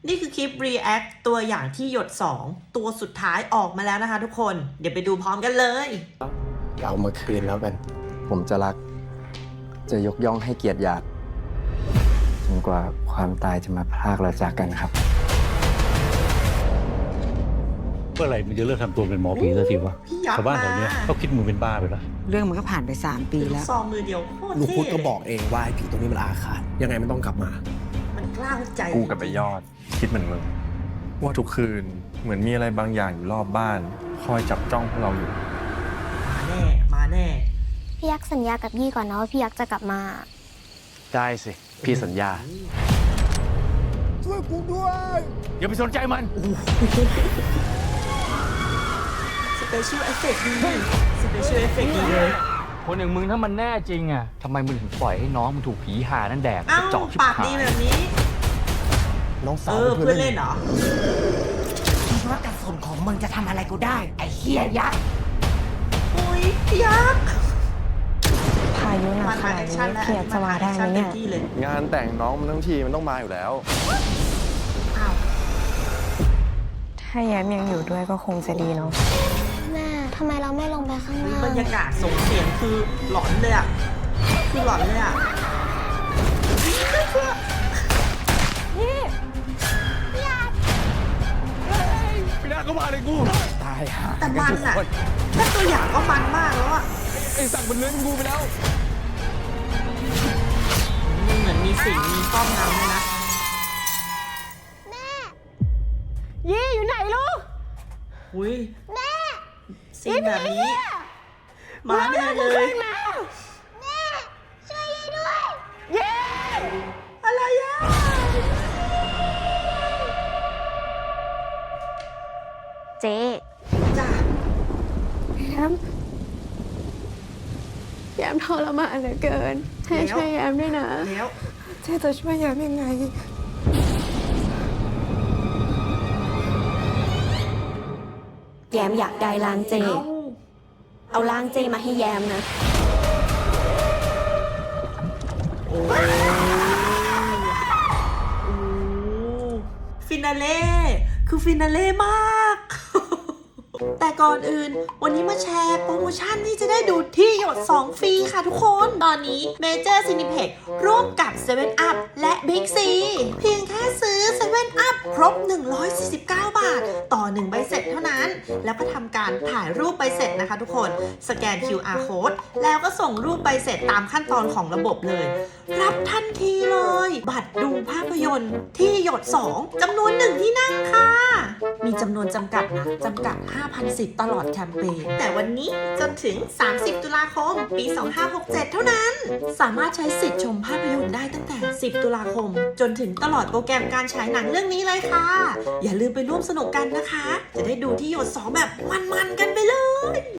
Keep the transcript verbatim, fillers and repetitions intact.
นี่คือคลิป react ตัวอย่างที่หยดสองตัวสุดท้ายออกมาแล้วนะคะทุกคนเดี๋ยวไปดูพร้อมกันเลยเอามาคืนแล้วกันผมจะรักจะยกย่องให้เกียรติหยาดจนกว่าความตายจะมาพรากเราจากกันครับเมื่อไหร่มันจะเลิกทำตัวเป็นหมอผีสักทีวะชาวบ้านแถวนี้เขาคิดมึงเป็นบ้าไปแล้วเรื่องมันก็ผ่านไปสามปีแล้วซองมือเดียวโคตรลูกเท่พุทธก็บอกเองว่าไอ้ผีตัวนี้มันอาฆาตยังไงมันต้องกลับมามันกล้าวใจกูกับไปยอดคิดเหมือนมึงว่าทุกคืนเหมือนมีอะไรบางอย่างอยู่รอบบ้านคอยจับจ้องพวกเราอยู่มาแน่มาแน่พี่ยักษ์สัญญากับยี่ก่อนนะว่าพี่ยักษ์จะกลับมาได้สิพี่สัญญาช่วยกูด้วยอย่าไปสนใจมันสเปเชียลเอฟเฟกต์ดีสเปเชียลเอฟเฟกต์ดีเลยคนอย่างมึงถ้ามันแน่จริงอ่ะทำไมมึงถึงปล่อยให้น้องมึงถูกผีหานั่นแดกอ้าวจอกชิบปากหายดีแบบนี้น้องสาเอวอเพื่อนเล่นเหรอคิดว่ากระสุนของมึงจะทำอะไรกูได้ไอ้เหี้ยยักษ์อุ้ยยักษ์พายุหนักขนาดนี้พี่ยักษ์จะมาได้ไหมเนี่ยงานแต่งน้องมันทั้งทีมันต้องมาอยู่แล้วอ้าวถ้าแย้มยังอยู่ด้วยก็คงจะดีเนาะแม่ทำไมเราไม่ลงไปข้างล่างบรรยากาศส่งเสียงคือหลอนเลยอ่ะคือหลอนเลยอ่ะนี่พี่ยักษ์ไม่ได้ก็มาเลยกูตายห่าแต่มันอ่ะแค่ตัวอย่างก็มันมากแล้วอ่ะไอ้สั่งมันเลื้อยกูไปแล้วมันเหมือนมีสิ่งมีป้อมน้ำเลยนะแม่ยี่อยู่ไหนลูกอุ้ยแม่สิ่งแบบนี้มาแน่เลยแม่ช่วยยี่ด้วยเย้อะไรอ่ะเจ๊จ้าแย้มแย้มทรมานเหลือเกินให้ช่วยแย้มด้วยนะแล้วเจ๊จะช่วยแย้มยังไงแยมอยากได้ล้างเจเอาล้างเจมาให้แยมนะโอ้ฟินาเล่คือฟินาเล่มาก แต่ก่อนอื่นวันนี้มาแชร์โปรโมชั่นที่จะได้ดูที่หยดสองฟรีค่ะทุกคนตอนนี้ Major Cineplex ร่วมกับ เซเว่น อัพ และ Big C เพียงแค่ซื้อ เซเว่น อัพ ครบ หนึ่งร้อยสี่สิบเก้า บาท ต่อ หนึ่ง ใบเสร็จเท่านั้น แล้วก็ทำการถ่ายรูปใบเสร็จนะคะทุกคนสแกน คิว อาร์ Code แล้วก็ส่งรูปใบเสร็จตามขั้นตอนของระบบเลย รับทันทีเลย บัตรดูภาพยนตร์ที่หยดสองจำนวนหนึ่งที่นั่งค่ะมีจำนวนจำกัดนะจำกัด ห้าพัน สิทธิ์ตลอดแคมเปญแต่วันนี้จนถึงสามสิบตุลาคมปีสองพันห้าร้อยหกสิบเจ็ดเท่านั้นสามารถใช้สิทธิ์ชมภาพยนตร์ได้ตั้งแต่สิบตุลาคมจนถึงตลอดโปรแกรมการฉายหนังเรื่องนี้เลยค่ะอย่าลืมไปร่วมสนุกกันนะคะจะได้ดูที่หยดสองแบบมันๆกันไปเลย